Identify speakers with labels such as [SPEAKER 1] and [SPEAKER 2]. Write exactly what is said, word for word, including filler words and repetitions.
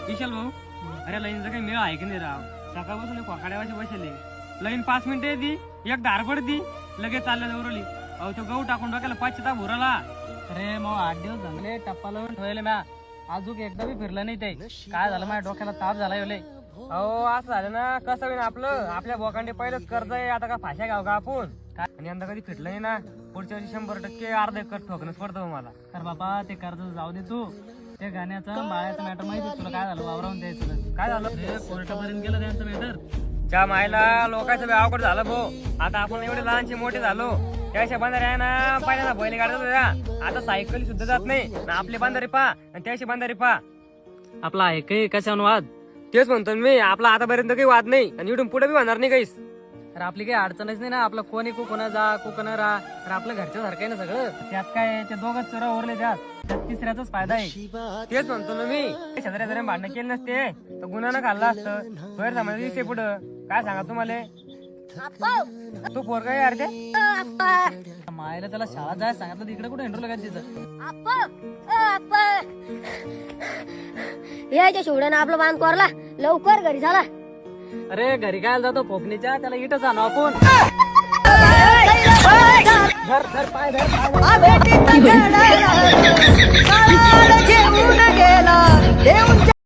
[SPEAKER 1] विशाल भाऊ, अरे लाईनचा काही मेळ आहे की नाही राव? सकाळपासून कोकाड्यावाशी बसले, लाईन पाच मिनिटं येते, एक धारपड दी, लगेच चालल्या जवळली. अहो तो गहू टाकून डोक्याला पश्चाताप उराला.
[SPEAKER 2] अरे मग आठ दिवस झाले टप्पा लावून ठेवले म्या, अजून एकदा बी फिरलं नाही ते. काय झालं माझ्या डोक्याला ताप झाला लय.
[SPEAKER 1] अहो असं झालं ना, कसं होईल आपलं? आपल्या बोकांडे पहिलंच कर्ज आहे, आता का फाशा घ्याव का आपण? आणि यंदा कधी फिटलं नाही ना, पुढच्या वर्षी शंभर टक्के अर्ध एकर ठोकणच पडतं मला.
[SPEAKER 2] तर बाबा ते कर्ज जाऊ दे तू. त्या गाण्याचं बाळ्याचं मॅटर माहिती तुला काय झालं? वावरावून द्यायचं काय झालं? कोर्टापर्यंत गेलं त्यांचं मॅटर.
[SPEAKER 1] ज्या मायला लोकांचं अवघड झालं भाऊ. आता आपण एवढे लहानचे मोठे झालो, त्याच्या बांधारे आहे ना, पहिल्यांदा बैल गाडत होत्या, आता सायकल सुद्धा जात नाही ना. आपले बांधारे पा आणि त्याची बांधारे पा.
[SPEAKER 2] आपला आहे काही कशावर वाद?
[SPEAKER 1] तेच म्हणतो मी, आपला आतापर्यंत काही वाद नाही आणि इथून पुढे बी होणार नाही काहीच.
[SPEAKER 2] तर आपली काही अडचणच नाही ना. आपलं कोणी कोणा जा कोणा राहा, तर आपलं घरच्या सारखं आहे ना सगळं. त्यात काय ते दोघच चोरा उरले, त्यात त्यात तिसऱ्याचाच फायदा आहे.
[SPEAKER 1] तेच म्हणतो ना मी, शेजाऱ्या जरा भांडणं केली नसते तर गुन्हा खाल्ला असतं. गैर समाज दिसते पुढं. काय सांगा तुम्हाला? तू पोरगा यार ते
[SPEAKER 2] मायला त्याला शाळा जायला सांगितलं, तिकडे कुठे एंट्रो लगायचं तिचं.
[SPEAKER 3] यायच्या शिवड्यानं आपलं बांध कोरला, लवकर घरी झाला.
[SPEAKER 2] अरे घरी काय जातो फोकणीच्या, त्याला इटच आणू आपण. धर धर पाय धर पाय धर.